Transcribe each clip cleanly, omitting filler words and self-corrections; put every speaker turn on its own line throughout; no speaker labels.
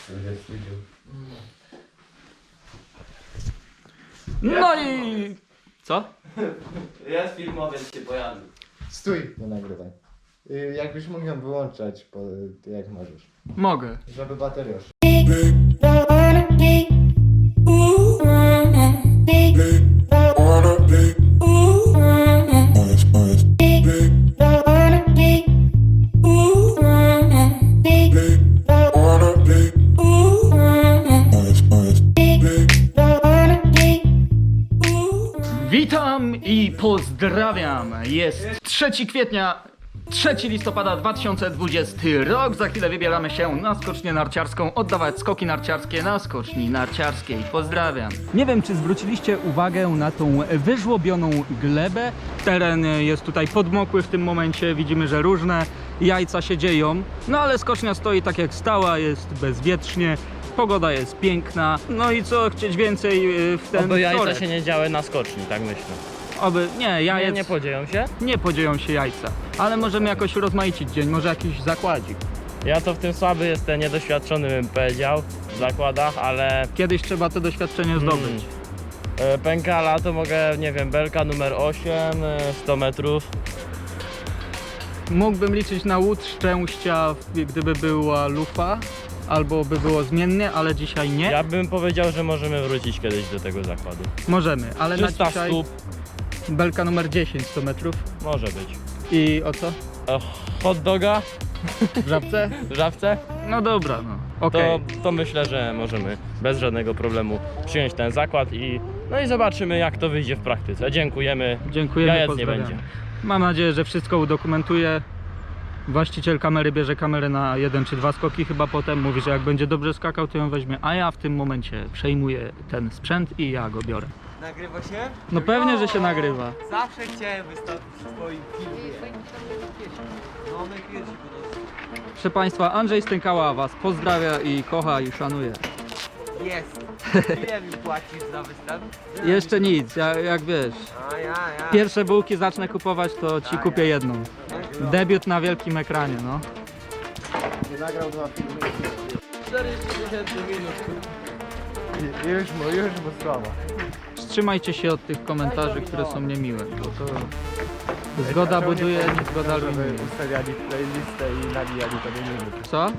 No i... Co?
Jest filmowiec się pojawił.
Stój, nie nagrywaj. Jakbyś mógł ją wyłączać, jak możesz.
Mogę.
Żeby bateria szła.
Witam i pozdrawiam. Jest 3 kwietnia, 3 listopada 2020 rok. Za chwilę wybieramy się na skocznię narciarską, oddawać skoki narciarskie na skoczni narciarskiej. Pozdrawiam. Nie wiem, czy zwróciliście uwagę na tą wyżłobioną glebę. Teren jest tutaj podmokły w tym momencie. Widzimy, że różne jajca się dzieją. No ale skocznia stoi tak jak stała, jest bezwietrznie. Pogoda jest piękna. No i co chcieć więcej w ten
Oby jajca
wtorek?
się nie działy na skoczni, tak myślę.
Oby, nie, jajec
Nie podzieją się?
nie podzieją się jajca, ale możemy jakoś urozmaicić dzień, może jakiś zakładzik.
Ja to w tym słaby jestem, niedoświadczony bym powiedział w zakładach, ale
Kiedyś trzeba to doświadczenie zdobyć.
pękala to mogę, nie wiem, belka numer 8, 100 metrów.
Mógłbym liczyć na łód szczęścia, gdyby była lufa, albo by było zmiennie, ale dzisiaj nie.
Ja bym powiedział, że możemy wrócić kiedyś do tego zakładu.
Możemy, ale na
300
dzisiaj
stóp
belka numer 10, 100 metrów.
może być.
I o co?
Hot doga
W Żabce?
w Żabce?
No dobra, no. Okej.
To myślę, że możemy bez żadnego problemu przyjąć ten zakład i no i zobaczymy, jak to wyjdzie w praktyce. Dziękujemy.
Dziękujemy,
Jajec nie
pozdrawiamy.
będzie.
Mam nadzieję, że wszystko udokumentuje. Właściciel kamery bierze kamerę na 1 czy 2 skoki chyba potem. Mówi, że jak będzie dobrze skakał, to ją weźmie. A ja w tym momencie przejmuję ten sprzęt i ja go biorę.
Nagrywa się?
No pewnie, że się nagrywa.
Zawsze chciałem wystąpić w swoim filmie. No najpierw go
Proszę Państwa, Andrzej Stękała Was pozdrawia i kocha i szanuje.
Jest. Ile mi płacisz za występ?
Jeszcze nic, jak wiesz.
Ja.
Pierwsze bułki zacznę kupować, to Ci kupię jedną. Debiut na wielkim ekranie, no.
Nie nagrał 2 filmy.
40 000 minut.
Już mu słabo.
Wstrzymajcie się od tych komentarzy, które są niemiłe, bo to zgoda buduje, nie zgoda rujnuje.
Ustawiali playlistę i nabijali to do minut.
Co?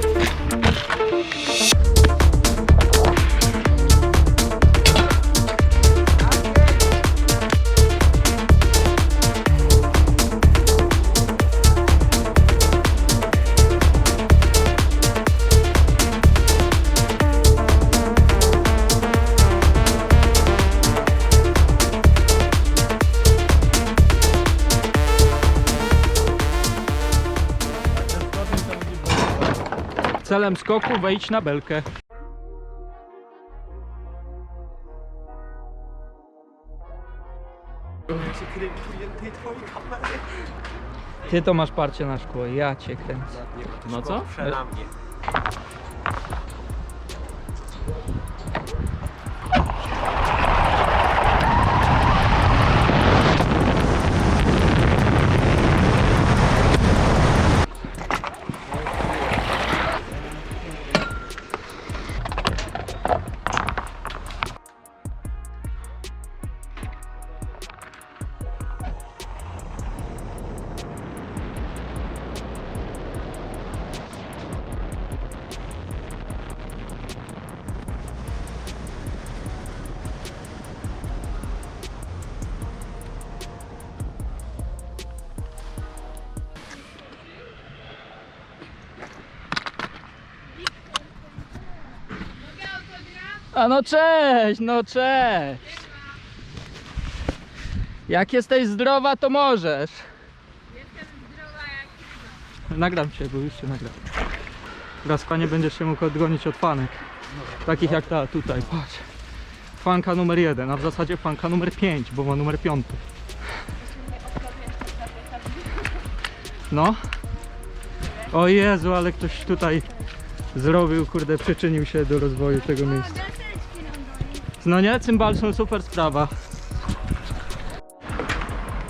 Celem skoku wejdź na belkę. Ty to masz parcie na szkło, ja cię kręcę.
No co?
Na mnie.
A no cześć, no cześć. Jak jesteś zdrowa, to możesz.
Jestem zdrowa jak
Nagram cię, bo już cię nagram. Teraz nie będziesz się mógł odgonić od fanek. Takich jak ta tutaj, patrz. Fanka numer 1, a w zasadzie fanka numer 5, bo ma numer 5. No. O Jezu, ale ktoś tutaj zrobił, kurde, przyczynił się do rozwoju tego miejsca. No nie, cymbalsą super sprawa.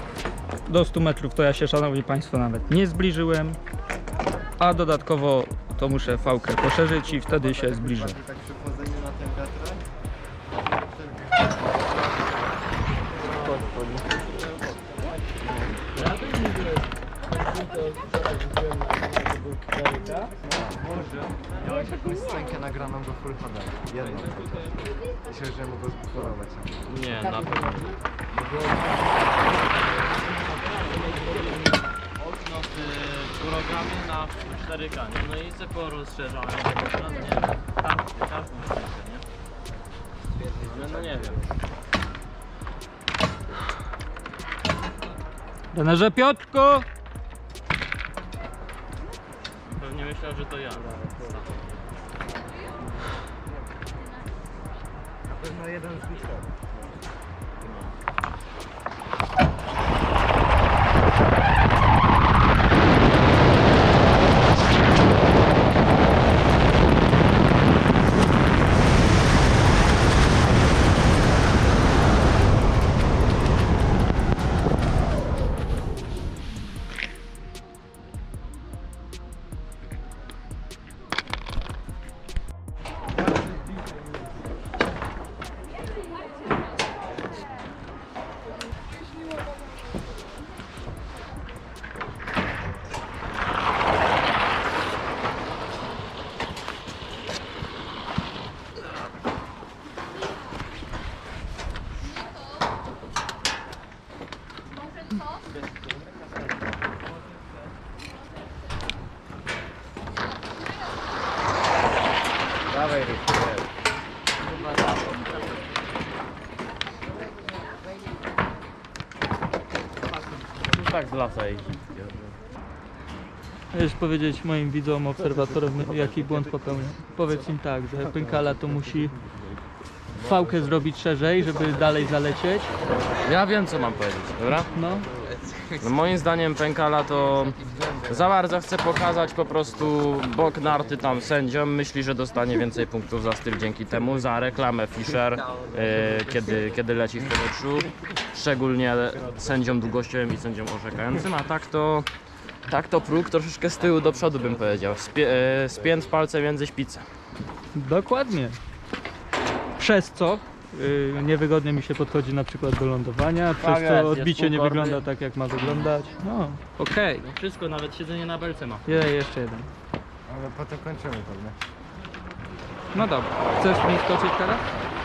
Do 100 metrów to ja się, szanowni państwo, nawet nie zbliżyłem. A dodatkowo to muszę fałkę poszerzyć i wtedy się zbliżę.
Tak przy wchodzeniu na ten wiatrak. Miałeś jakąś scenkę nagraną do Full HD. Jedną. Myślę, że mogę zbuchorować.
Nie, na pewno. Okno w programie na 4K, nie? No i se porozszerzałem tego ekran, nie wiem, każdą scenkę, nie? Ale no nie wiem.
Trenerze Piotrku!
Pewnie myślał, że to ja.
Na pewno jeden z liczbów. Dawaj, Ryk.
Tak z lasa jeździ.
Chcesz powiedzieć moim widzom, obserwatorom, jaki błąd popełnia? Powiedz im tak, że pękala to musi fałkę zrobić szerzej, żeby dalej zalecieć.
Ja wiem, co mam powiedzieć, dobra?
No,
No moim zdaniem pękala to za bardzo chce pokazać po prostu bok narty tam sędziom. Myśli, że dostanie więcej punktów za styl dzięki temu, za reklamę Fischer, kiedy leci w powietrzu. Szczególnie sędziom długościowym i sędziom orzekającym, a tak to próg troszeczkę z tyłu do przodu bym powiedział. Spięt w palce między szpice.
dokładnie. Przez co niewygodnie mi się podchodzi na przykład do lądowania, przez
jest,
co
jest
odbicie nie
półkorny.
wygląda tak, jak ma wyglądać. No, okej.
Wszystko, nawet siedzenie na belce ma.
Jeszcze jeden.
Ale potem kończymy pewnie.
No dobra, chcesz mi skoczyć teraz?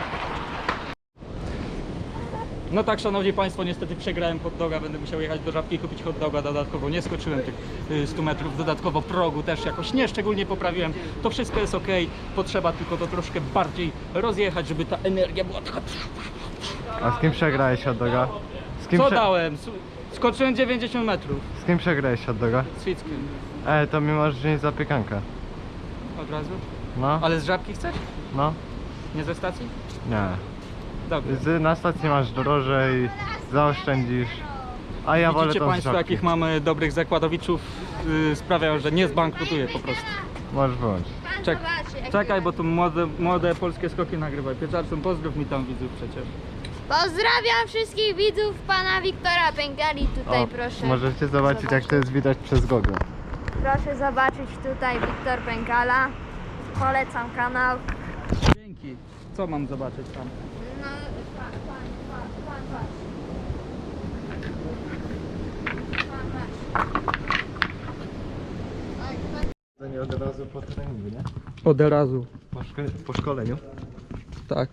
No tak, szanowni państwo, niestety przegrałem hot doga, będę musiał jechać do Żabki i kupić hot doga dodatkowo. Nie skoczyłem tych 100 metrów, dodatkowo progu też jakoś nie szczególnie poprawiłem. To wszystko jest ok, potrzeba tylko to troszkę bardziej rozjechać, żeby ta energia była taka...
A z kim przegrałeś hot doga?
Co dałem? Skoczyłem 90 metrów
Z kim przegrałeś hot doga?
z Fickiem.
To mi możesz wziąć zapiekankę.
Od razu?
No,
Ale z Żabki chcesz?
no,
Nie ze stacji?
nie.
Dobrze.
Na stacji masz drożej, zaoszczędzisz. A ja wolę
Widzicie
tą z
państwo,
Żabki.
jakich mamy dobrych zakładowiczów, sprawiają, że nie zbankrutuję po prostu.
Możesz wyłączyć.
Czekaj, bo tu młode polskie skoki nagrywaj. Pieczarcą, pozdrów mi tam widzów przecież.
Pozdrawiam wszystkich widzów pana Wiktora Pękali. Tutaj proszę.
Możecie zobaczyć, jak to jest widać przez Google.
Proszę zobaczyć tutaj Wiktor Pękala. Polecam kanał.
Dzięki. Co mam zobaczyć tam?
No, pan.
To nie od razu po treningu, nie?
Od razu.
Po szkoleniu.
Tak.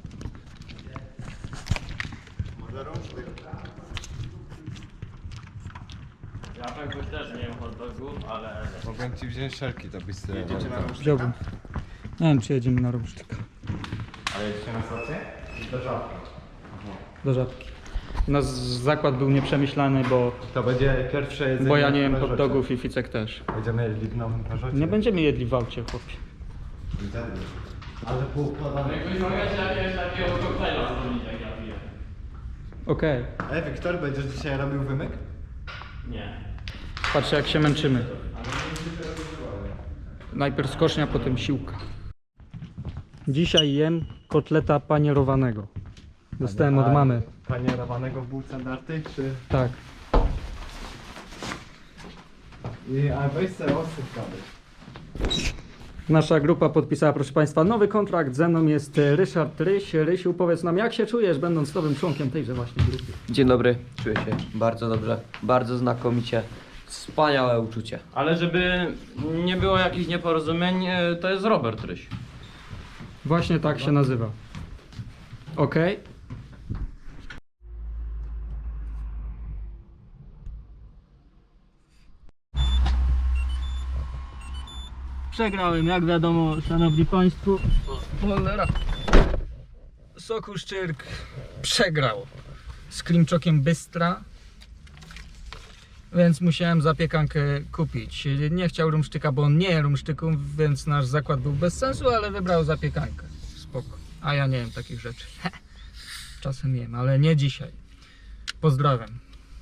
Ja pewnie też nie wiem hot dogów, ale...
Mogłem ci wziąć szelki, to byś sobie... Jedziecie na
Wziąłbym. Nie wiem, czy jedziemy na Rumsztyka.
Ale jedziecie na stację? Do Żabki.
Do Żabki. Nasz zakład był nieprzemyślany,
To będzie pierwsze jedzenie
bo ja nie
na
jem hot
Żocie.
dogów i Ficek też.
Będziemy jedli w nowym parzocie.
Nie będziemy jedli w aucie, chłopie.
Ale poukładane.
Jakbyś mogę jakiegoś takiego koktajla zrobić, jak ja piję.
Okej.
Wiktor, będziesz dzisiaj robił wymyk?
Nie.
Patrzcie, jak się męczymy. Najpierw skocznia, potem siłka. Dzisiaj jem kotleta panierowanego. Dostałem od mamy.
Panierowanego w bułce narty, czy...
Tak.
A weź sobie osyp kawy.
Nasza grupa podpisała, proszę Państwa, nowy kontrakt. Ze mną jest Ryszard Ryś. Rysiu, powiedz nam, jak się czujesz, będąc nowym członkiem tejże właśnie grupy?
Dzień dobry, czuję się bardzo dobrze, bardzo znakomicie, wspaniałe uczucie.
Ale żeby nie było jakichś nieporozumień, to jest Robert Ryś.
Właśnie tak się nazywa. Okej.
Przegrałem, jak wiadomo, szanowni państwo. Cholera. Sokół Szczyrk przegrał z Klimczokiem Bystra, więc musiałem zapiekankę kupić. Nie chciał rumsztyka, bo on nie je rumsztyku, więc nasz zakład był bez sensu, ale wybrał zapiekankę. Spoko. A ja nie wiem takich rzeczy. Czasem jem, ale nie dzisiaj. Pozdrawiam.